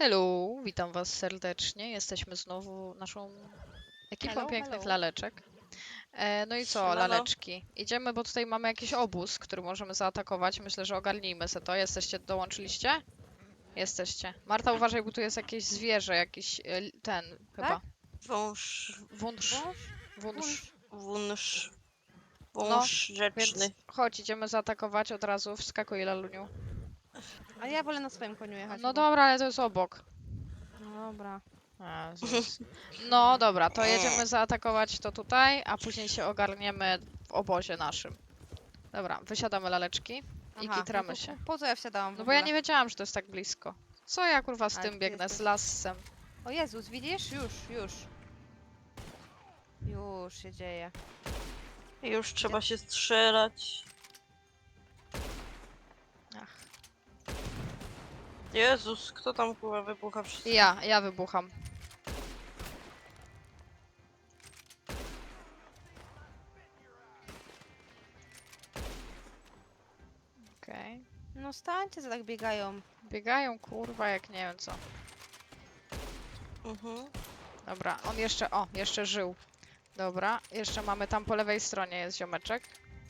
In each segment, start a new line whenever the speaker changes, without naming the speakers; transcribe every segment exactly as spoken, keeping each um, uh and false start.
Hello, witam was serdecznie. Jesteśmy znowu naszą ekipą
Hello,
pięknych
hello.
laleczek. E, no i co,
Siemano.
laleczki? Idziemy, bo tutaj mamy jakiś obóz, który możemy zaatakować. Myślę, że ogarnijmy se to. Jesteście, dołączyliście? Jesteście. Marta, uważaj, bo tu jest jakieś zwierzę, jakiś e, li- ten chyba.
Wąż,
W- Wunsz.
Wąż?
Wunsz.
wąż,
No,
wąż rzeczny.
Więc chodź, idziemy zaatakować od razu. Wskakuj, laluniu.
A ja wolę na swoim koniu jechać.
No
bo...
dobra, ale to jest obok.
No dobra.
Jezus. No dobra, to jedziemy zaatakować to tutaj, a później się ogarniemy w obozie naszym. Dobra, wysiadamy laleczki i
Aha,
kitramy
no to
się.
Po co ja wsiadałam w
No bo ja
ogóle?
nie wiedziałam, że to jest tak blisko. Co ja kurwa z
Ale
tym
ty
biegnę, z
jesteś-
lasem?
O Jezus, widzisz? Już, już. Już się dzieje.
Już trzeba się strzelać.
Ach.
Jezus, kto tam kurwa wybucha wszystko?
Ja, ja wybucham. Okej.
No stańcie, co tak biegają.
Biegają kurwa jak nie wiem co.
Mhm.
Dobra, on jeszcze, o, jeszcze żył. Dobra, jeszcze mamy tam po lewej stronie jest ziomeczek.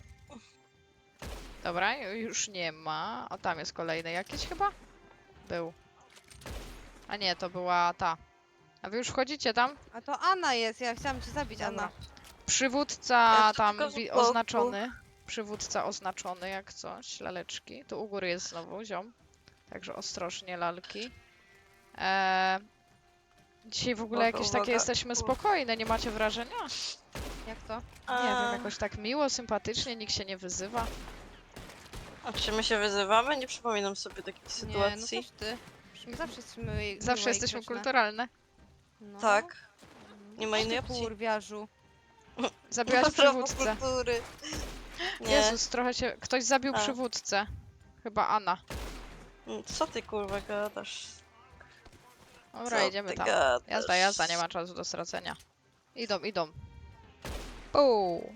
Dobra, ju- już nie ma. O, tam jest kolejny jakiś chyba? Był. A nie, to była ta. A wy już wchodzicie tam?
A to Anna jest, ja chciałam cię zabić,
Dobra.
Anna.
Przywódca
Ja
tam
tylko z
wi-
boku.
oznaczony. Przywódca oznaczony jak coś. Laleczki. Tu u góry jest znowu ziom. Także ostrożnie lalki. Eee, dzisiaj w ogóle
Uwaga,
jakieś
uwaga.
takie jesteśmy spokojne, nie macie wrażenia?
Jak to?
Nie wiem, jakoś tak miło, sympatycznie, nikt się nie wyzywa.
A czy my się wyzywamy? Nie przypominam sobie takiej
Nie, no
sytuacji.
coś ty. Przecież my zawsze jesteśmy miłe i
Zawsze jesteśmy
grzeczne.
kulturalne.
No.
Tak. Nie ma
O ty
innej opcji.
kurwiarzu.
Zabiłaś
Prawo
przywódcę.
kultury. Nie.
Jezus, trochę się... Ktoś zabił
A.
przywódcę. Chyba Anna.
Mm, Co ty kurwa gadasz?
Dobra,
Co
idziemy
ty
tam.
gadasz?
Jazda, jazda, nie ma czasu do stracenia. Idą, idą. Puu.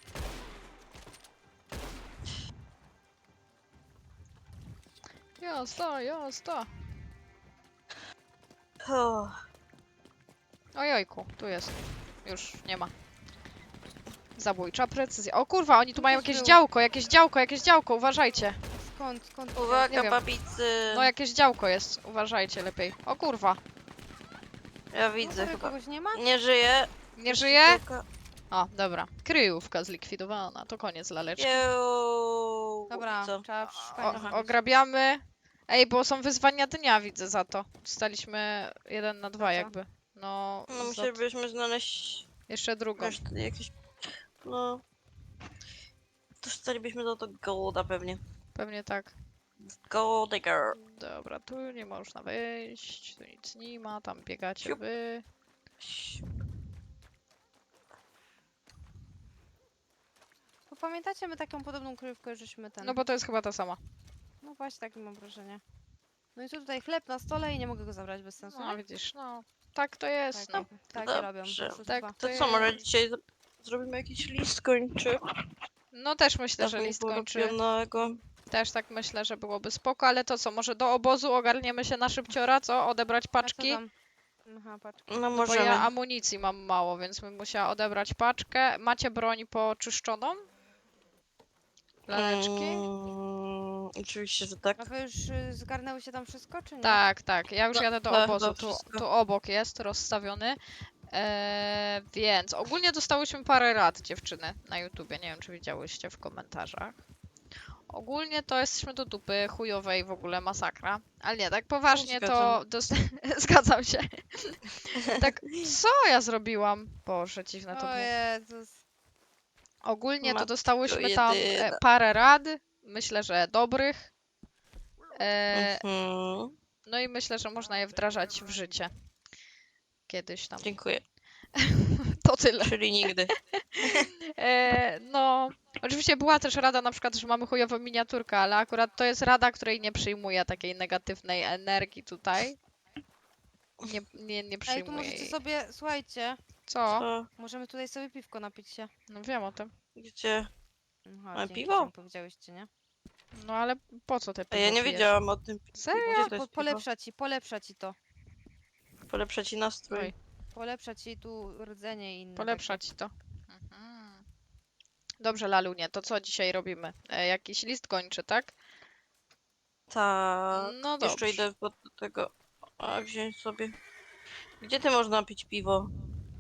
Jazda, jazda.
O,
Ojojku, tu jest. Już nie ma. Zabójcza precyzja. O kurwa, oni tu
Tu
mają
też
jakieś
był.
działko, jakieś działko, jakieś działko, uważajcie.
Skąd, skąd?
Nie
uwaga
wiem.
babicy.
No jakieś działko jest, uważajcie lepiej. O kurwa,
Ja
No,
widzę
tutaj
chyba.
kogoś nie ma?
Nie żyje.
nie żyje?
Tylko-
O, dobra. Kryjówka zlikwidowana, to koniec laleczki.
Jeuu.
Dobra,
Co?
trzeba szukać.
O, ograbiamy. Ej, bo są wyzwania dnia, widzę za to. Staliśmy jeden na dwa
co?
jakby. No,
No
za...
musielibyśmy znaleźć
jeszcze drugą.
resztę jakieś... No... Dostalibyśmy za to golda pewnie.
Pewnie tak.
Gold digger.
Dobra, tu nie można wyjść, tu nic nie ma, tam biegacie
Siup.
wy.
Bo pamiętacie, my taką podobną kryjówkę żeśmy ten...
No bo to jest chyba ta sama.
No właśnie, takie mam wrażenie. No i tu tutaj chleb na stole i nie mogę go zabrać bez sensu.
No
nie?
widzisz, no. Tak to jest,
Tak,
no.
tak
dobrze.
robią. oszustwa.
Tak,
To
to
co, może
jest-
dzisiaj z- zrobimy jakiś list kończy?
No też myślę, że
Dawniej
list kończy.
porobionego.
Też tak myślę, że byłoby spoko, ale to co, może do obozu ogarniemy się na szybciora, co? Odebrać
A co
paczki?
tam? Aha, paczki.
No
No bo
możemy.
ja amunicji mam mało, więc bym musiała odebrać paczkę. Macie broń poczyszczoną? Laleczki?
Mm, oczywiście, że tak.
A wy już y, zgarnęły się tam wszystko, czy nie?
Tak, tak. Ja już
No,
jadę do
tak,
obozu.
to
Tu,
wszystko.
tu obok jest rozstawiony. Eee, więc ogólnie dostałyśmy parę rad, dziewczyny, na YouTubie. Nie wiem, czy widziałyście w komentarzach. Ogólnie to jesteśmy do dupy chujowej, w ogóle masakra. Ale nie, tak poważnie to...
Zgadzam.
Dosta... Zgadzam się. Tak, co ja zrobiłam? Boże, dziwne to
O
było.
Jezus.
Ogólnie to
Matko
dostałyśmy tam e,
jedyna.
parę rad. Myślę, że dobrych. E,
Mhm.
no i myślę, że można je wdrażać w życie. Kiedyś tam.
Dziękuję.
To tyle.
Czyli nigdy.
E, no, oczywiście była też rada na przykład, że mamy chujową miniaturkę, ale akurat to jest rada, której nie przyjmuje takiej negatywnej energii tutaj. Nie, nie, nie
Ej, tu
przyjmuje
możecie
jej.
sobie, słuchajcie,
Co?
Co?
możemy tutaj sobie piwko napić się.
No wiem o tym.
Gdzie?
Aha,
A
dzięki,
piwo?
że mi powiedziałyście, nie?
No ale po co te
A
piwo
ja nie
pijesz?
wiedziałam o tym.
Serio?
Gdzie to
Po,
jest piwo?
polepsza ci, polepsza ci to.
Polepsza ci nastrój.
Oj,
Polepsza ci tu rdzenie i inne
polepsza ci to. Mhm. Dobrze, Lalunie, to co dzisiaj robimy? E, jakiś list kończy, tak?
Tak.
No
Jeszcze
dobrze.
idę do tego. A wziąć sobie. Gdzie ty można pić piwo?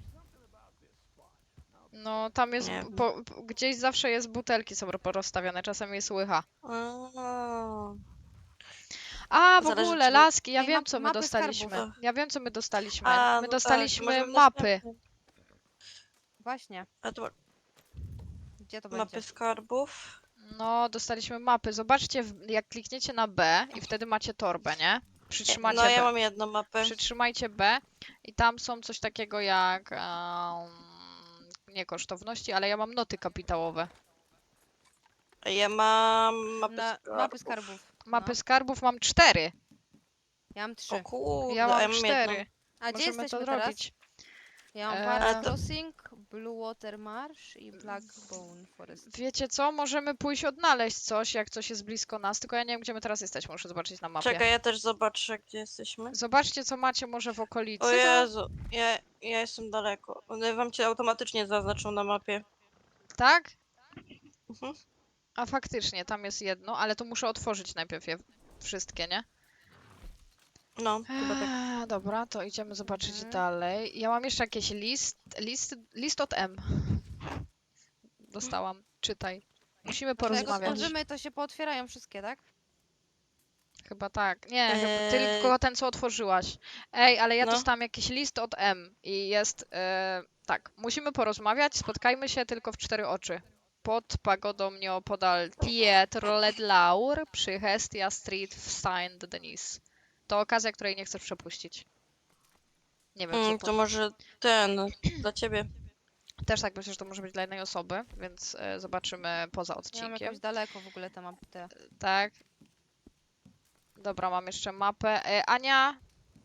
No tam jest,
Nie
bu-
wiem.
po, po- gdzieś zawsze jest butelki są porozstawione, czasem jest łycha.
A,
A, w
Zależy,
ogóle,
czy my-
laski, ja
Ej,
wiem,
map-
co my
mapy
dostaliśmy.
skarbów.
Ja wiem, co my dostaliśmy.
A,
My
no tak,
dostaliśmy
możemy
mapy.
następny.
Właśnie.
A to
Gdzie to
mapy
będzie?
skarbów.
No, dostaliśmy mapy. Zobaczcie, w- jak klikniecie na B i wtedy macie torbę, nie? Przytrzymacie
No ja
B.
mam jedną mapę.
Przytrzymajcie B i tam są coś takiego jak em, nie kosztowności, ale ja mam noty kapitałowe.
A ja mam mapy
Na,
skarbów.
mapy skarbów.
Mapy
No.
skarbów mam cztery.
Ja mam
O
trzy.
kurde,
Ja
a
mam
ja mam
cztery.
jedną.
A gdzie
Możemy
jesteśmy
to
teraz?
zrobić.
Ja mam
Eee,
Bards
Ale to-
Crossing, Blue Water Marsh i Blackbone Forest.
Wiecie co? Możemy pójść odnaleźć coś, jak coś jest blisko nas, tylko ja nie wiem, gdzie my teraz jesteśmy. Muszę zobaczyć na mapie.
Czekaj, ja też zobaczę, gdzie jesteśmy.
Zobaczcie, co macie może w okolicy.
O Jezu, ja, ja jestem daleko. One wam cię automatycznie zaznaczą na mapie.
Tak?
Mhm.
A faktycznie, tam jest jedno, ale to muszę otworzyć najpierw je wszystkie, nie?
No, chyba tak.
Eee, dobra, to idziemy zobaczyć
Mhm.
dalej. Ja mam jeszcze jakiś list, list, list od M. Dostałam, czytaj. Musimy
Jak
porozmawiać.
otworzymy, to się pootwierają wszystkie, tak?
Chyba tak. Nie, chyba
Eee.
tylko ten, co otworzyłaś. Ej, ale ja
No.
dostałam jakiś list od M i jest e, tak. Musimy porozmawiać, spotkajmy się tylko w cztery oczy. Pod pagodą nieopodal Pietro Ledlaur przy Hestia Street w Saint-Denis. To okazja, której nie chcesz przepuścić. Nie wiem, co
Mm,
to.
to może ten, dla ciebie.
Też tak myślę, że to może być dla jednej osoby, więc e, zobaczymy poza
Ja mam
odcinkiem.
jakoś daleko w ogóle te mapy. Te.
Tak. Dobra, mam jeszcze mapę. E, Ania,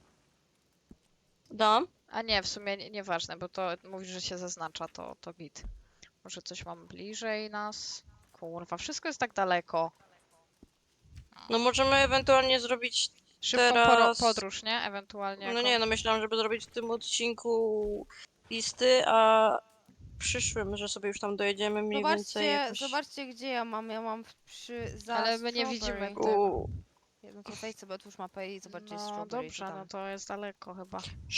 Dam?
a nie, w sumie nie- nieważne, bo to mówisz, że się zaznacza, to, to git. Może coś mam bliżej nas? Kurwa, wszystko jest tak daleko.
No możemy ewentualnie zrobić.
Szybką poro-
Teraz-
podróż, nie? Ewentualnie.
No
jako-
nie, no myślałam, żeby zrobić w tym odcinku listy, a w przyszłym, że sobie już tam dojedziemy mniej więcej
Zobaczcie,
jakoś.
zobaczcie gdzie ja mam. Ja mam w- przy za
Ale my nie widzimy
Strawberry.
tego.
U,
No to wejdź sobie, otwórz mapę i zobacz, gdzie jest
No
Strawberry.
dobrze,
to tam.
no to jest daleko chyba.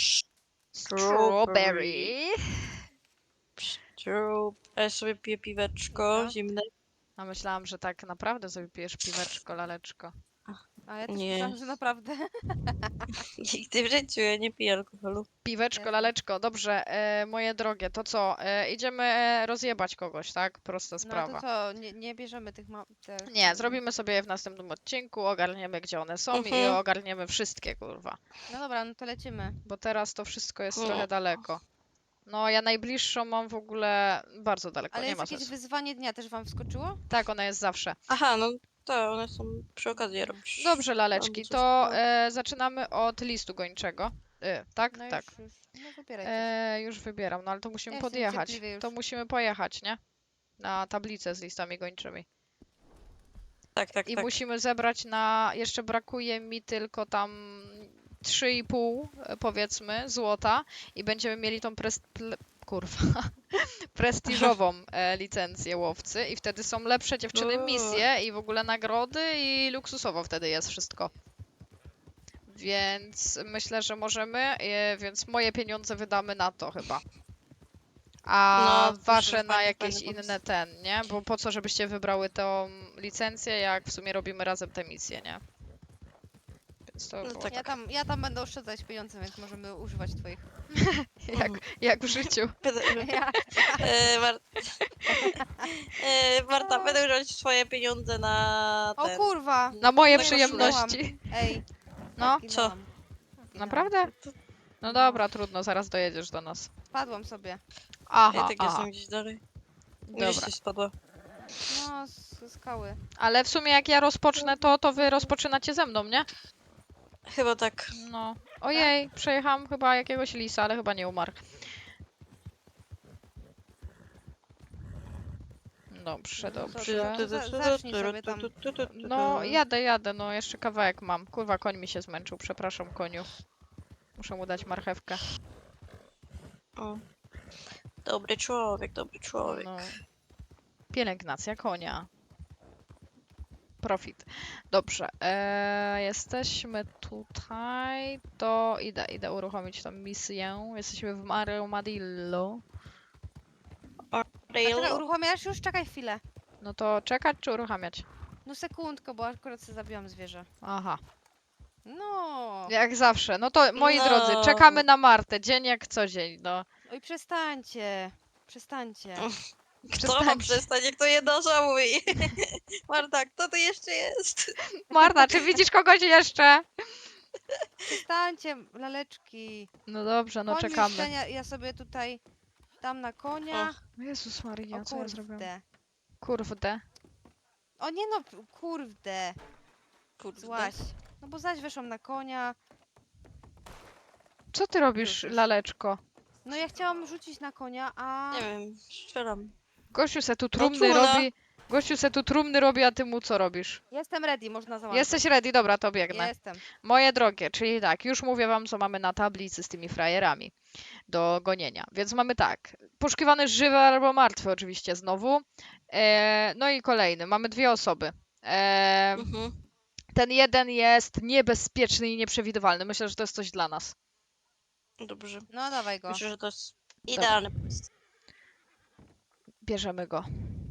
Strawberry. Strawberry. A ja sobie piję piweczko
Dobra.
zimne.
A myślałam, że tak naprawdę sobie pijesz piweczko, laleczko.
A ja też
Nie.
myślałam, że naprawdę.
Nigdy w życiu ja nie piję alkoholu.
Piweczko,
Jasne.
laleczko, dobrze, e, moje drogie, to co? E, idziemy e, rozjebać kogoś, tak? Prosta
No
sprawa.
to co, nie, nie bierzemy tych map. Tych,
Nie, zrobimy sobie je w następnym odcinku, ogarniemy gdzie one są i
Mhm.
ogarniemy wszystkie, kurwa.
No dobra, no to lecimy.
Bo teraz to wszystko jest
No.
trochę daleko. No, ja najbliższą mam w ogóle bardzo daleko,
Ale
nie
jest
ma
jakieś
sensu.
wyzwanie dnia też wam wskoczyło?
Tak, ona jest zawsze.
Aha, no to one są przy okazji robisz.
Dobrze, laleczki,
Albo coś
to
takiego.
e, zaczynamy od listu gończego. E, tak,
No
tak.
już, już. No wybieraj. coś.
E, już wybieram, no ale to musimy
Ja jestem
podjechać.
cierpliwy już.
To musimy pojechać, nie? Na tablicę z listami gończymi.
Tak, tak,
I
tak.
musimy zebrać na. Jeszcze brakuje mi tylko tam trzy i pół e, powiedzmy złota i będziemy mieli tą pres... ple... kurwa prestiżową e, licencję łowcy i wtedy są lepsze dziewczyny
Uuu.
misje i w ogóle nagrody i luksusowo wtedy jest wszystko. Więc myślę, że możemy, e, więc moje pieniądze wydamy na to chyba. A
No, to
wasze
fajny,
na
fajny
jakieś
pomysł.
inne ten, nie? Bo po co, żebyście wybrały tą licencję, jak w sumie robimy razem te misje, nie? Więc to
No
było
tak.
Ja tam, ja tam będę oszczędzać pieniądze, więc możemy używać twoich.
jak, jak w życiu.
Ja,
E, Mar... e, Marta, będę używać swoje pieniądze na
o
ten.
kurwa!
Na moje
No i
przyjemności.
Ej.
No,
zginęłam.
Co?
Zginęłam.
naprawdę? No dobra, trudno, zaraz dojedziesz do nas.
Padłam sobie.
Aha,
Ja tak
aha.
jestem gdzieś dalej. Gdzieś
Dobra.
coś spadło.
No, z skały.
Ale w sumie jak ja rozpocznę to, to wy rozpoczynacie ze mną, nie?
Chyba tak.
No. Ojej, przejechałam chyba jakiegoś lisa, ale chyba nie umarł. Dobrze,
No to
dobrze.
tu- za- zacznij sobie tam.
No, jadę, jadę, no jeszcze kawałek mam. Kurwa, koń mi się zmęczył, przepraszam, koniu. Muszę mu dać marchewkę.
O. Dobry człowiek, dobry człowiek.
No. Pielęgnacja konia. Profit. Dobrze, e, jesteśmy tutaj. To idę, idę uruchomić tą misję. Jesteśmy w Armadillo.
A teraz
Rail.
uruchamiasz już? Czekaj chwilę.
No to czekać czy uruchamiać?
No sekundkę, bo akurat sobie zabiłam zwierzę.
Aha,
No.
jak zawsze. No to moi
No.
drodzy, czekamy na Martę, dzień jak co dzień, no.
Oj, przestańcie. Przestańcie.
Kto ma
Przestańcie.
przestać, jak to jednosza mówi? Marta, kto to jeszcze jest?
Marta, czy widzisz kogoś jeszcze?
Przestańcie, laleczki.
No dobrze, no
Koń już
czekamy.
ten, ja, ja sobie tutaj dam na konia.
Jezus Maria,
O
co ja zrobiłam?
kurde.
Kurde.
O nie no, p- kurde.
Kurde.
Złaś. No bo zaś weszłam na konia.
Co ty robisz,
Już.
laleczko?
No ja chciałam rzucić na konia, a...
Nie wiem, strzelam.
Gościu se tu trumny
trudno.
robi. Gościu se tu trumny robi, a ty mu co robisz?
Jestem ready, można załatwić.
Jesteś ready? Dobra, to biegnę.
Jestem.
Moje drogie, czyli tak, już mówię wam, co mamy na tablicy z tymi frajerami do gonienia. Więc mamy tak, poszukiwany żywy albo martwy oczywiście znowu. E, no i kolejny, mamy dwie osoby. E,
Mhm.
ten jeden jest niebezpieczny i nieprzewidywalny. Myślę, że to jest coś dla nas.
Dobrze.
No dawaj go.
Myślę, że to jest idealny pomysł.
Bierzemy go.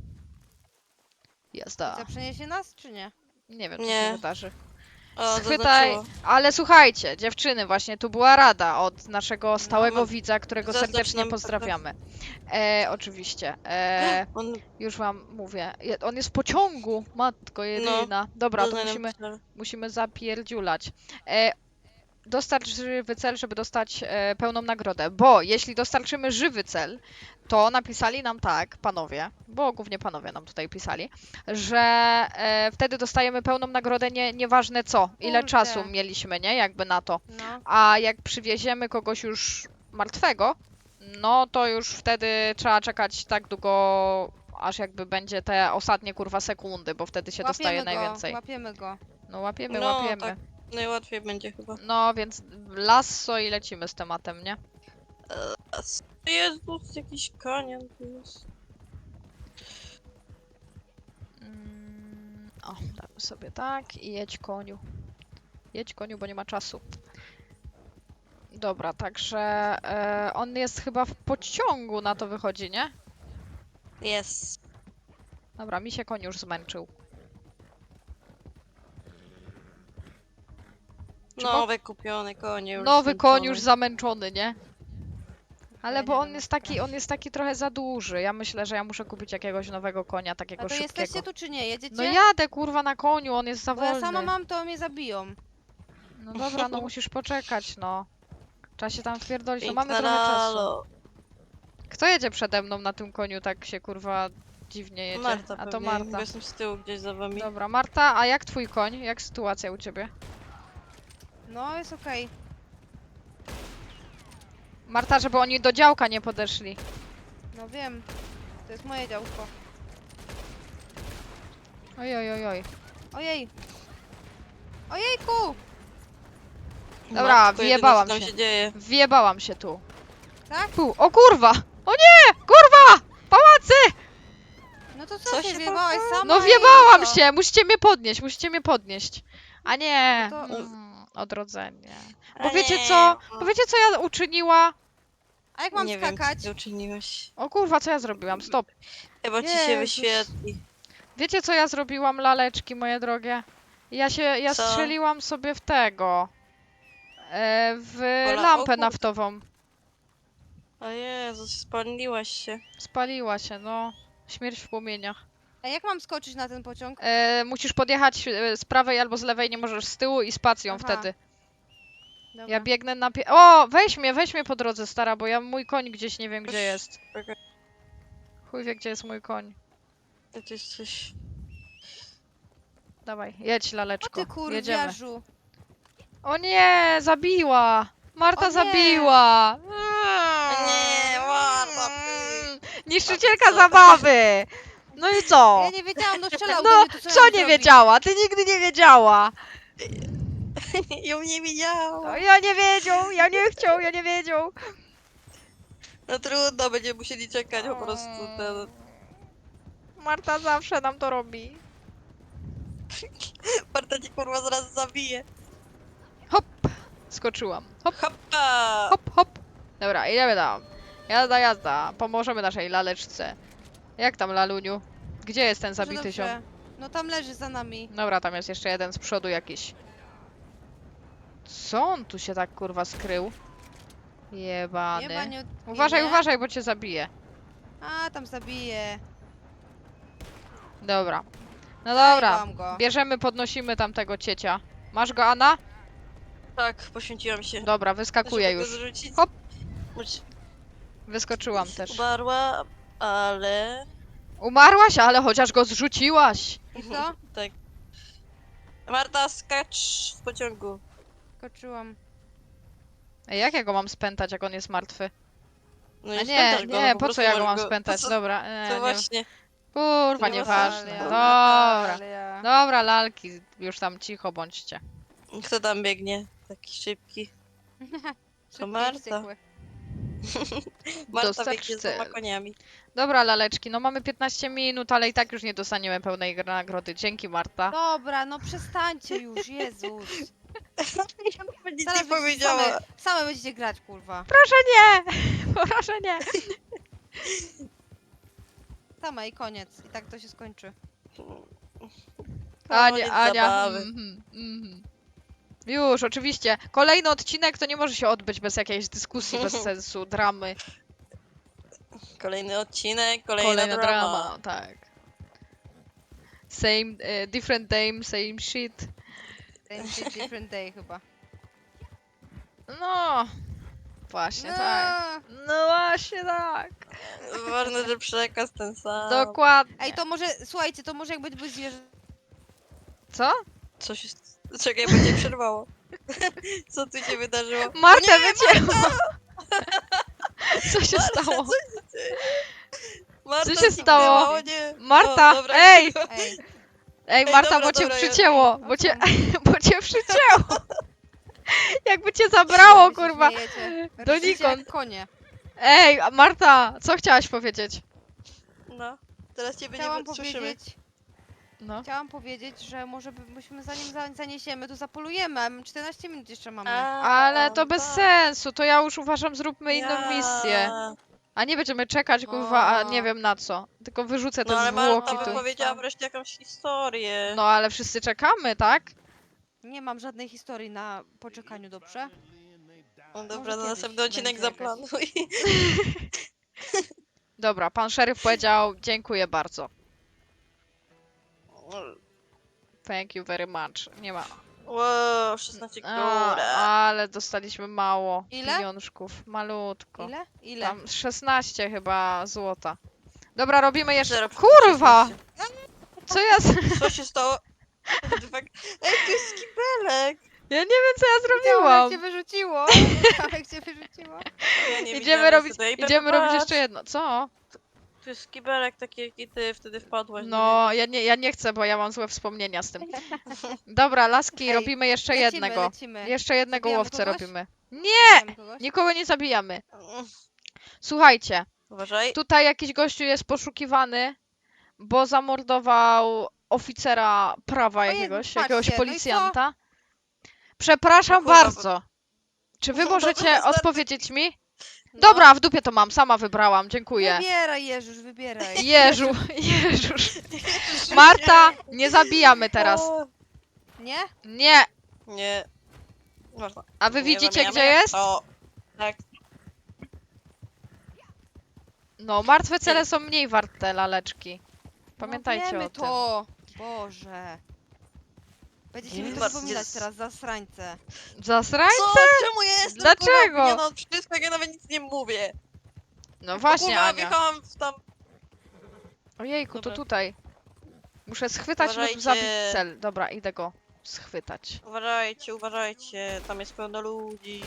Jazda.
Co, przeniesie nas, czy nie?
Nie wiem, co
Nie.
się wydarzy.
O,
Schwytaj,
zaznaczyło.
ale słuchajcie, dziewczyny, właśnie tu była rada od naszego stałego
mam-
widza, którego
zaznacz
serdecznie
nam
pozdrawiamy. E, oczywiście. E,
On
już wam mówię. Je- On jest w pociągu, matko jedyna. Dobra, to
doznał nam
musimy,
cel.
musimy zapierdziulać. E, dostarcz żywy cel, żeby dostać e, pełną nagrodę, bo jeśli dostarczymy żywy cel, to napisali nam tak, panowie, bo głównie panowie nam tutaj pisali, że e, wtedy dostajemy pełną nagrodę, nie, nieważne co, ile
Kurde.
czasu mieliśmy, nie, jakby na to.
No.
A jak przywieziemy kogoś już martwego, no to już wtedy trzeba czekać tak długo, aż jakby będzie te ostatnie kurwa sekundy, bo wtedy się dostaje
Łapiemy go,
najwięcej.
łapiemy go.
No łapiemy,
No,
łapiemy.
tak. Najłatwiej będzie chyba.
No, więc lasso i lecimy z tematem, nie?
Jezus, jakiś kanion tu jest.
Mm, o, damy sobie tak i jedź koniu. Jedź koniu, bo nie ma czasu. Dobra, także e, on jest chyba w pociągu, na to wychodzi, nie?
Jest.
Dobra, mi się koń już zmęczył. Czy mo-
Nowy kupiony konie już
Nowy koń
zmęczony.
już zamęczony, nie? Ale
Ja
bo
nie
on
wiem,
jest taki, on jest taki trochę za duży. Ja myślę, że ja muszę kupić jakiegoś nowego konia, takiego
A to
szybkiego.
jesteście tu, czy nie? Jedziecie?
No jadę kurwa na koniu, on jest za
Bo ja
wolny.
sama mam, to mnie zabiją.
No dobra, no musisz poczekać, no. Trzeba się tam wpierdolić, no mamy
Piękna
trochę czasu.
lalo.
Kto jedzie przede mną na tym koniu, tak się kurwa dziwnie jedzie?
Marta
A to
pewnie,
Marta.
bo jestem z tyłu gdzieś za wami.
Dobra, Marta, a jak twój koń? Jak sytuacja u ciebie?
No, jest okej.
Marta, żeby oni do działka nie podeszli.
No wiem. To jest moje działko.
Oj, oj, oj, oj.
Ojej. Ojejku!
Dobra,
Matko jedyna,
wjebałam
co tam
się.
się dzieje.
Wjebałam się tu.
Tak?
Pu, o kurwa! O nie! Kurwa! Pałacy!
No to co,
Co
się
się
wjebałaś sama?
No
i
wjebałam
co?
się! Musicie mnie podnieść, musicie mnie podnieść. A nie!
No to-
Mm, odrodzenie.
A
Bo wiecie
nie,
co?
o,
Bo wiecie co ja uczyniła?
A jak mam
nie
skakać?
wiem, co ty uczyniłaś.
O kurwa, co ja zrobiłam? Stop.
Chyba ci się
Jezus.
wyświetli.
Wiecie co ja zrobiłam, laleczki moje drogie? Ja się, ja
Co?
strzeliłam sobie w tego. E, w
Ola, o
lampę
kurde.
naftową.
O Jezus, spaliłaś się.
Spaliła się, no. Śmierć w płomieniach.
A jak mam skoczyć na ten pociąg?
E, musisz podjechać e, z prawej albo z lewej, nie możesz z tyłu i spacją
Aha.
wtedy.
Dobra.
Ja biegnę na pie... O, weź mnie, weź mnie po drodze, stara, bo ja mój koń gdzieś nie wiem gdzie
Weź.
jest.
Czekaj,
Chuj wie, gdzie jest mój koń.
ty jesteś...
Dawaj, jedź,
O
laleczko.
ty
Jedziemy.
kurwiarzu.
O nie, zabiła! Marta
O nie.
zabiła!
Nie, Marta,
Mm, Niszczycielka zabawy! No i co?
Ja nie wiedziałam, no strzelał do
No,
mnie, to co, ja
co
mam
nie
zrobić?
wiedziała? Ty nigdy nie wiedziała.
Ją nie
O,
widziałam.
ja nie wiedział, ja nie chciał, ja nie wiedział.
No trudno, będziemy musieli czekać po prostu ten...
Marta zawsze nam to robi.
Marta cię kurwa zaraz zabije.
Hop, skoczyłam. Hop,
Hoppa!
hop, hop. Dobra, idziemy tam. Jazda, jazda. Pomożemy naszej laleczce. Jak tam, laluniu? Gdzie jest ten
Dobrze,
zabity
dobrze.
ziom?
No tam leży za nami.
Dobra, tam jest jeszcze jeden z przodu jakiś. Co on tu się tak kurwa skrył?
Nie
Jebany.
ma, nie,
Uważaj,
nie.
uważaj, bo cię zabije.
A, tam zabiję.
Dobra. No dobra.
Zajebałam go.
Bierzemy, podnosimy tamtego ciecia. Masz go, Anna?
Tak, poświęciłam się.
Dobra, wyskakuję
Żeby go
już.
zrzucić.
Hop.
Choć
Wyskoczyłam też.
Umarła, ale...
Umarłaś, ale chociaż go zrzuciłaś.
I co?
Tak. Marta, skacz w pociągu.
Skoczyłam.
Ej, jak ja go mam spętać, jak on jest martwy?
No
A
nie,
nie,
spętasz go,
nie,
no
po co
prostu
ja go
możesz
mam spętać?
Po co,
Dobra, e,
to
nie,
właśnie.
kurwa,
nie ma
nieważne.
sensu.
Dobra,
Natalia.
dobra, lalki, już tam cicho bądźcie.
Kto tam biegnie? Taki szybki.
Szybki i
Marta.
wściekły.
Marta
Dostarcz
biegnie z dwoma
cel.
koniami.
Dobra, laleczki, no mamy piętnaście minut, ale i tak już nie dostaniemy pełnej gr- nagrody. Dzięki, Marta.
Dobra, no przestańcie już, Jezus.
Nic
Zaraz
nie
będziecie
powiedziała.
Same, same będziecie grać, kurwa.
Proszę nie! Proszę nie!
Same i koniec. I tak to się skończy.
Ania,
Koniec
Ania.
zabawy.
Mhm, mhm. Już, oczywiście. Kolejny odcinek to nie może się odbyć bez jakiejś dyskusji, bez sensu, dramy.
Kolejny odcinek, kolejna,
Kolejna
drama.
drama, tak. Same, e, different name, same shit.
Same shit, different day chyba.
No, właśnie tak.
No.
No właśnie tak.
Ważne, że przekaz ten sam.
Dokładnie.
Ej, to może, słuchajcie, to może jakby były zwierzę...
Co?
Co się... Czekaj, bo cię przerwało. Co tu się wydarzyło?
Marta
O nie,
wycięła! Co się
Marta,
stało?
co się dzieje? Marta
się
zniknęła,
stało?
O nie.
Marta,
O, dobra.
ej!
Ej,
Ej,
Ej,
Marta,
dobra,
bo cię
dobra, ja-
przycięło,
o
bo
co
cię,
mu-
bo cię przycięło. Jakby cię zabrało,
wy się
kurwa.
śmiejecie.
Do
Rżycie
nikąd.
jak konie.
Ej, a Marta, co chciałaś powiedzieć?
No, teraz ciebie
Chciałam
nie słyszymy.
powiedzieć,
No.
chciałam powiedzieć, że może by- byśmy zanim za- zaniesiemy, to zapolujemy, a my czternaście minut jeszcze mamy.
Ale to bez
tak.
sensu, to ja już uważam, zróbmy inną
Ja.
misję. A nie będziemy czekać, kurwa, a nie
O.
wiem na co. Tylko wyrzucę te
No ale
zwłoki
Marta
tu.
wypowiedziała wreszcie jakąś historię.
No ale wszyscy czekamy, tak?
Nie mam żadnej historii na poczekaniu, dobrze?
No dobra,
może
na
kiedyś
następny odcinek
będzie jakaś.
zaplanuj.
Dobra, pan szeryf powiedział, dziękuję bardzo. Thank you very much. Nie ma.
Wow, szesnaście
A,
góra.
ale dostaliśmy mało
Ile?
pieniążków. Malutko.
Ile? Ile?
Tam szesnaście chyba złota. Dobra, robimy jeszcze.
Zero
Kurwa!
szesnaście.
Co ja. z-
Co się stało? Ej, tu jest skibelek!
Ja nie wiem, co ja
Widziałam,
zrobiłam.
jak cię wyrzuciło. Widziałam, jak cię wyrzuciło.
Ja nie
Idziemy
widziałam
robić,
niestety. Ej,
idziemy
Pepe,
robić
patrz,
jeszcze jedno. Co?
Tu jest skibelek taki, jaki ty wtedy wpadłaś.
No, ja nie, ja nie chcę, bo ja mam złe wspomnienia z tym. Dobra, laski,
Ej,
robimy jeszcze
Lecimy,
jednego.
lecimy.
Jeszcze jednego
Zabijamy
łowcę
kogoś?
robimy.
Zabijamy kogoś?
Nikogo nie zabijamy.
Nie.
Słuchajcie,
Uważaj.
tutaj jakiś gościu jest poszukiwany, bo zamordował oficera prawa
O Jezu,
jakiegoś,
patrzcie,
jakiegoś
no i co?
policjanta. Przepraszam
No kurwa, bo-
bardzo. Czy wy
Dobra,
możecie
wystarczy.
odpowiedzieć mi?
No.
Dobra, w dupie to mam, sama wybrałam, dziękuję.
Wybieraj, Jeżusz, wybieraj.
Jeżu, Jeżuż. Marta, nie zabijamy teraz.
O,
Nie?
Nie.
nie. Można.
A wy
Nie
widzicie,
zabijamy?
gdzie jest?
O, tak.
No, martwe cele są mniej warte, laleczki.
No
Pamiętajcie
wiemy
o tym.
to. Boże. Będziecie mi to
Bardzo
przypominać
jest-
teraz, zasrańce.
Zasraj?
Co? Czemu ja jestem
Dlaczego?
kurwa, no wszystko, jak ja nawet nic nie mówię.
No właśnie,
Kurwa,
Ania.
wjechałam w tam...
Ojejku, to
Dobra.
tutaj. Muszę schwytać lub
Uważajcie.
zabić cel. Dobra, idę go schwytać.
Uważajcie, uważajcie, tam jest pełno ludzi.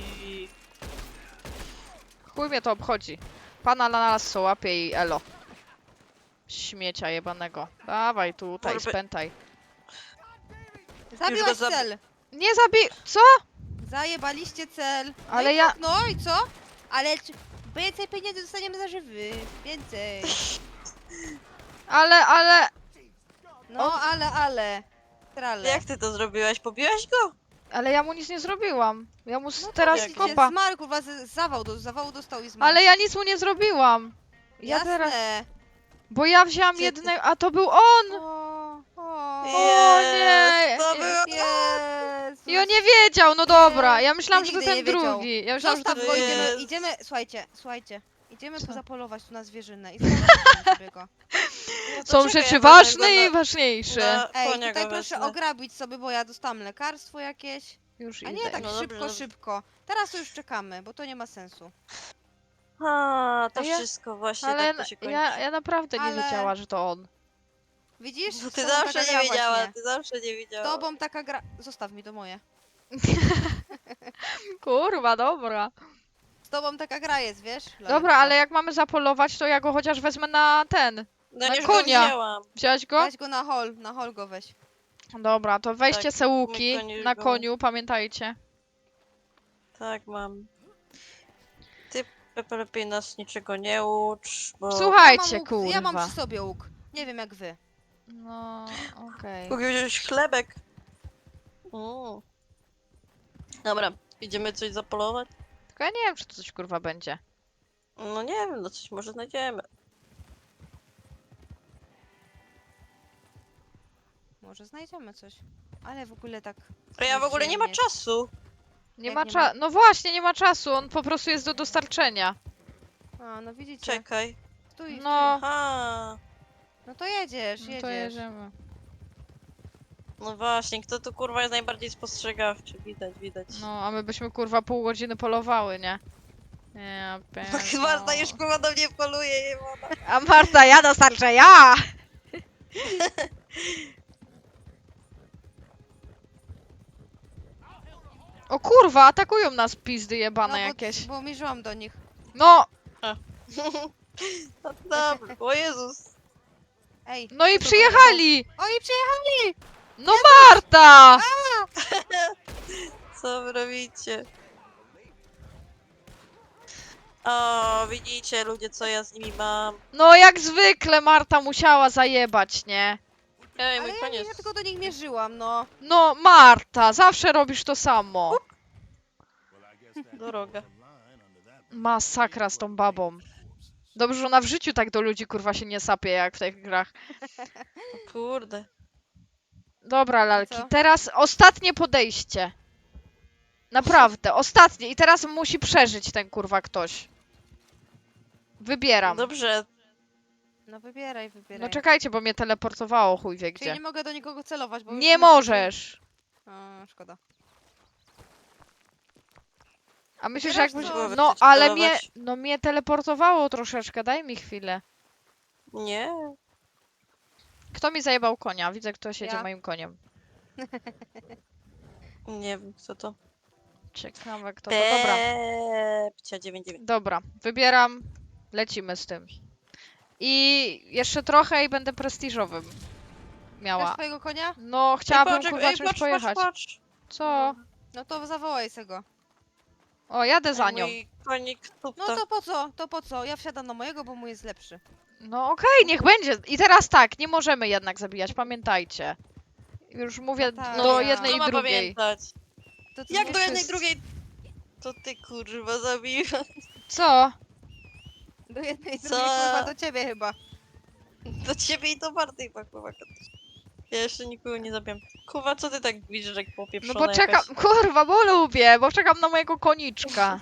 Chuj mnie to obchodzi. Pana na nas co łapie i elo. Śmiecia jebanego. Dawaj tutaj,
Kurwy.
spętaj.
Zabiłaś
zabi-
cel!
Nie zabij... Co?
Zajebaliście cel! No
Ale
i
ja...
tak, no i co? Ale czy... więcej pieniędzy dostaniemy za żywy. Więcej.
Ale, ale...
No, ale, ale. Trale.
Jak ty to zrobiłaś? Pobiłaś go?
Ale ja mu nic nie zrobiłam. Ja mu s-
No to
teraz
widzicie,
kopa.
Zmarł, kurwa, z- zawał, do, zawału dostał i zmarł.
Ale ja nic mu nie zrobiłam. Ja
Jasne.
teraz... Bo ja wzięłam
Gdzie ty-
jednego... A to był on!
O, o,
O nie!
Jest, to
Je-
było...
Jezus.
I on nie wiedział, no dobra. Ja myślałam,
Ty
że to
nigdy
ten
nie wiedział.
drugi. Ja myślałam, że to...
Zostaw go, idziemy,
Jest.
idziemy, słuchajcie, słuchajcie. Idziemy
Co?
pozapolować tu na zwierzynę i zobaczymy sobie go.
No to
Są
czekaj,
rzeczy
ja wezmę
ważne
go
i
na-
ważniejsze.
na
Ej,
konia
tutaj
go
proszę
wezmę.
ograbić sobie, bo ja dostałam lekarstwo jakieś.
Już
A
idę.
nie tak
No dobrze,
szybko,
dobrze.
szybko. Teraz to już czekamy, bo to nie ma sensu.
A, to
A ja-
wszystko właśnie
Ale
tak to się kończy.
ja, ja naprawdę nie
Ale-
wiedziała, że to on.
Widzisz?
Bo
Z
ty
tobą
zawsze
taka
nie
gra
wiedziała,
właśnie.
ty zawsze nie
Z
wiedziała.
tobą taka gra... Zostaw mi to moje.
Kurwa, dobra.
Z tobą taka gra jest, wiesz?
Dobra,
Laleczko.
ale jak mamy zapolować, to ja go chociaż wezmę na ten.
No
na
już
konia.
go wzięłam.
Wziąłeś go?
Weź go na hol, na hol go weź.
Dobra, to weźcie
Tak,
se
mój
łuki
koń już
na
go-
koniu, pamiętajcie.
Tak, mam. Ty, Pepe, lepiej nas niczego nie ucz, bo...
Słuchajcie,
ja mam łuk, Ja mam
kurwa.
przy sobie łuk. Nie wiem jak wy.
No, okej.
Mógł wziąć chlebek. Mm. Dobra, idziemy coś zapolować?
Tylko ja nie wiem, czy to coś kurwa będzie.
No nie wiem, no coś może znajdziemy.
Może znajdziemy coś. Ale w ogóle tak...
A ja w ogóle nie ma
nieprzyjemnie.
czasu.
Nie
Jak
ma
nie
czasu. No właśnie, nie ma czasu, on po prostu jest do dostarczenia.
A, no widzicie.
Czekaj.
Stój, stój.
No,
Aha.
No to jedziesz,
no
jedziesz.
to jedziemy.
No właśnie, kto tu kurwa jest najbardziej spostrzegawczy? Widać, widać.
No, a my byśmy kurwa pół godziny polowały, nie? Ja
No, Marta już kurwa do mnie poluje, nie ma.
A Marta, ja dostarczę, ja! O kurwa, atakują nas pizdy jebane
no, bo,
jakieś.
bo mierzyłam do nich.
No,
No dobra, o Jezus.
Ej.
no i
co to
przyjechali!
było? Oni przyjechali!
No Marta!
Co wy robicie? O, widzicie ludzie, co ja z nimi mam.
No jak zwykle Marta musiała zajebać, nie?
Ej,
Ale
mój
ja, nie,
koniec.
ja tylko do nich mierzyłam, no.
No Marta, zawsze robisz to samo.
Droga.
Masakra z tą babą. Dobrze, że ona w życiu tak do ludzi kurwa się nie sapie jak w tych grach.
O kurde.
Dobra, lalki,
co?
teraz ostatnie podejście. Naprawdę, ostatnie. I teraz musi przeżyć ten kurwa ktoś. Wybieram.
Dobrze,
No wybieraj, wybieraj.
No czekajcie, bo mnie teleportowało chuj wie
Czyli
gdzie.
nie mogę do nikogo celować, bo... już
Nie
masz-
możesz.
A, szkoda.
A myślisz, że
Wybierasz
jakbyś...
co?
No,
Chcecie
ale mnie...
celować?
No mnie teleportowało troszeczkę, daj mi chwilę.
nie.
Kto mi zajebał konia? Widzę, kto siedzie
Ja.
moim koniem.
Nie wiem, co to.
Ciekawe kto to. Dobra.
Pcia dziewięć dziewięć.
Dobra, wybieram. Lecimy z tym. I jeszcze trochę i będę prestiżowym.
Masz
Miała.
twojego konia?
No, chciałabym
Ej, poczek-
kurwa
ej,
czymś
patrz,
pojechać.
Patrz, patrz.
Co?
No to zawołaj se go.
O, jadę za
Ej,
nią.
Mój konik
No
tupta.
to po co? To po co? Ja wsiadam na mojego, bo mój jest lepszy.
No okej, niech będzie. I teraz tak, nie możemy jednak zabijać, pamiętajcie. Już mówię
No tak.
do
No,
jednej
kto
i
ma
drugiej.
pamiętać?
To ty
Jak
nie
do jednej
wszyscy-
drugiej? To ty kurwa zabiła.
Co?
Do jednej,
Co?
drugiej, kurwa, do ciebie chyba.
Do ciebie i do Barty chyba kurwa. Ja jeszcze nikogo nie zabiłem. Kurwa, co ty tak widzisz, jak
No
popieprzona
bo czekam,
jakaś?
kurwa, bo lubię, bo czekam na mojego koniczka.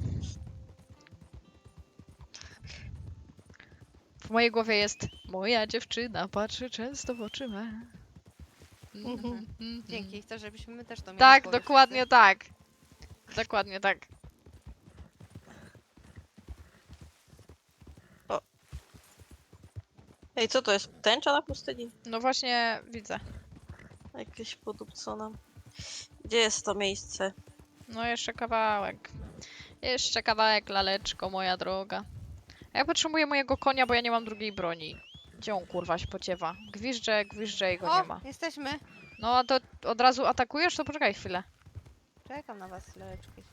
W mojej głowie jest moja dziewczyna, patrzy często w oczy me.
Mhm.
Dzięki, chcę, żebyśmy my też to mieli w
Tak,
głowie
dokładnie tak. Dokładnie tak.
Ej, co to jest? Tęcza na pustyni?
No właśnie widzę.
Jakieś podupcona. Gdzie jest to miejsce?
No jeszcze kawałek. Jeszcze kawałek, laleczko, moja droga. A ja potrzebuję mojego konia, bo ja nie mam drugiej broni. Gdzie on kurwa się pociewa? Gwizdże, gwizdże i go
O,
nie ma.
jesteśmy.
No a to od razu atakujesz? To poczekaj chwilę.
Czekam na was, leleczki.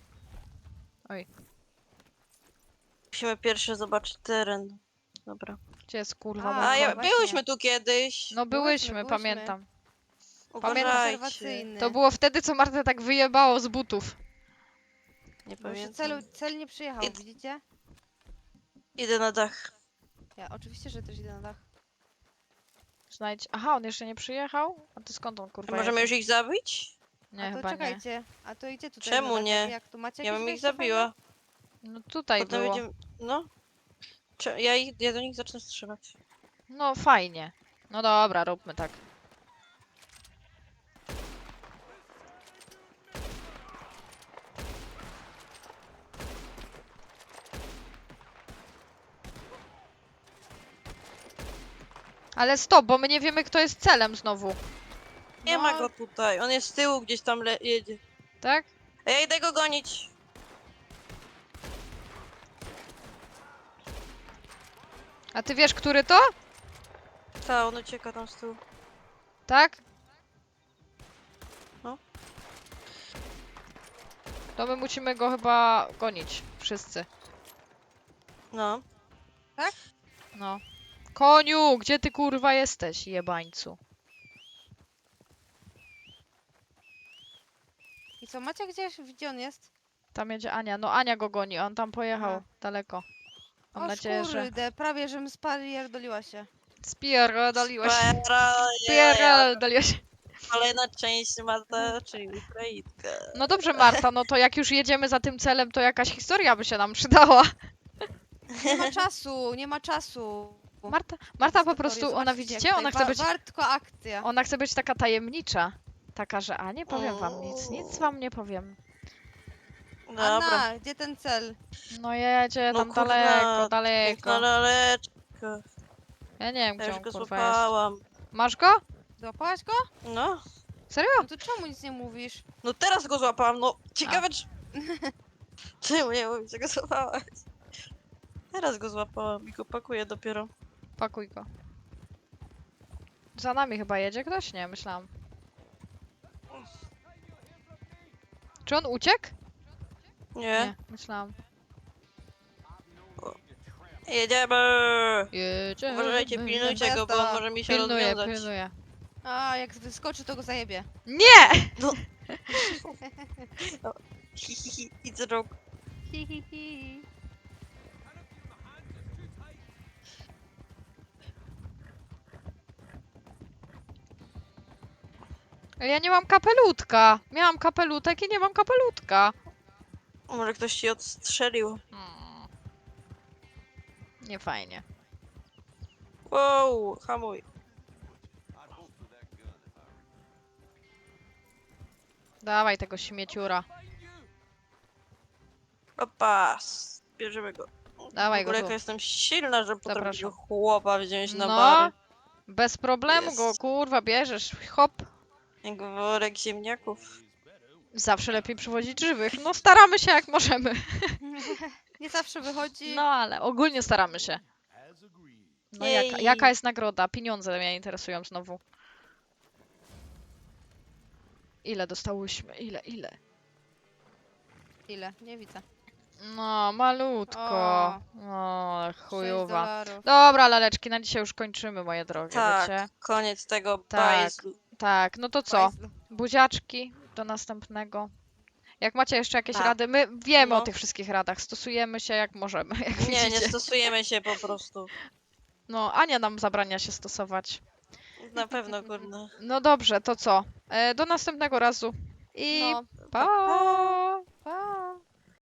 Musimy pierwszy zobaczyć teren. Dobra.
Gdzie jest kurwa?
A,
bo-
A, ja,
właśnie.
byłyśmy tu kiedyś.
No byłyśmy,
byłyśmy.
pamiętam.
Uważajcie.
Obserwacyjny.
To było wtedy, co Martę tak wyjebało z butów.
Nie
Bo już
pamiętam.
celu, cel nie przyjechał,
Id-
widzicie?
Idę na dach.
Ja oczywiście, że też idę na dach.
Znajdź. Aha, on jeszcze nie przyjechał? A to skąd on kurwa
Możemy
jedzie?
już ich zabić?
Nie,
A to
chyba nie.
czekajcie, a to idzie tutaj
Czemu
na dach,
nie?
Jak tu macie
Ja
jakieś
bym ich
wejście
zabiła.
No tutaj
Potem
było.
będziemy... No. Cze- Ja, ich, ja do nich zacznę strzelać.
No fajnie. No dobra, róbmy tak. Ale stop, bo my nie wiemy, kto jest celem znowu,
Nie
No.
ma go tutaj. On jest z tyłu, gdzieś tam le- jedzie.
tak?
A ja idę go gonić.
A ty wiesz, który to?
Ta, on ucieka tam z tyłu.
Tak?
No.
To my musimy go chyba gonić. Wszyscy.
No.
No. Koniu, gdzie ty kurwa jesteś, jebańcu?
I co, macie gdzieś, gdzie on jest?
Tam jedzie Ania. No Ania go goni, on tam pojechał
Aha.
daleko. Mam
o
nadzieję, że...
kurde, prawie żem spierdoliła się.
Spierdoliłeś.
Spera-
Spierdoliłeś.
Kolejna część Marta, czyli Ukrainka.
No dobrze, Marta, no to jak już jedziemy za tym celem, to jakaś historia by się nam przydała.
Nie ma czasu, nie ma czasu.
Marta, Marta po
Historię,
prostu, ona
zobaczcie,
widzicie,
jak
ona
tutaj
chce być,
wa- Wartko akcja.
ona chce być taka tajemnicza. Taka, że a nie powiem wam nic, nic wam nie powiem.
Dobra.
Anna, gdzie ten cel?
No jedzie
No
tam
kurwa,
daleko,
Piękna
daleko.
laleczka.
Ja nie wiem,
Ja
gdzie
już
on
go
kurwa jest.
złapałam.
Masz go?
Złapałaś go?
No.
Serio?
No to czemu nic nie mówisz?
No teraz go złapałam, no. Ciekawe czy... Czemu nie mówisz, że go złapałaś? Teraz go złapałam i go pakuję dopiero.
Pakuj go. Za nami chyba jedzie ktoś? Nie, myślałam. Czy on uciekł?
Nie.
myślałam.
Jedziemy!
Jedziemy.
Uważajcie, pilnujcie go, bo on może mi się
Pilnuję,
rozwiązać.
pilnuję.
A, jak wyskoczy, to go zajebie.
Nie!
Hi, hi, hi, it's a joke.
Hi, hi, hi.
Ja nie mam kapelutka. Miałam kapelutek i nie mam kapelutka.
Może ktoś ci odstrzelił.
Hmm. Nie fajnie.
Wow, hamuj.
Dawaj tego śmieciura.
Opa, bierzemy go.
Dawaj
w
go
ogóle
tu.
jaka jestem silna, że potrafię
Zapraszam.
chłopa wziąć na
No.
bary.
Bez problemu go
Jest.
kurwa bierzesz. Hop.
Jak worek ziemniaków.
Zawsze lepiej przywozić żywych. No staramy się jak możemy.
Nie zawsze wychodzi.
No ale ogólnie staramy się. No jaka,
Jej.
jaka jest nagroda? Pieniądze mnie interesują znowu. Ile dostałyśmy? Ile, ile?
Ile? Nie widzę.
No, malutko.
O.
O,
sześć
chujowa.
dolarów.
Dobra, laleczki, na dzisiaj już kończymy, moje drogie,
Tak,
wiecie?
koniec tego
Tak.
bajzlu.
Tak, no to co?
Bajzlu.
Buziaczki, do następnego. Jak macie jeszcze jakieś
Tak.
rady, my wiemy o
No.
tych wszystkich radach, stosujemy się jak możemy, jak
Nie, nie
widzicie.
stosujemy się po prostu.
No, Ania nam zabrania się stosować.
Na pewno, kurde.
No dobrze, to co? E, do następnego razu. I
No.
pa!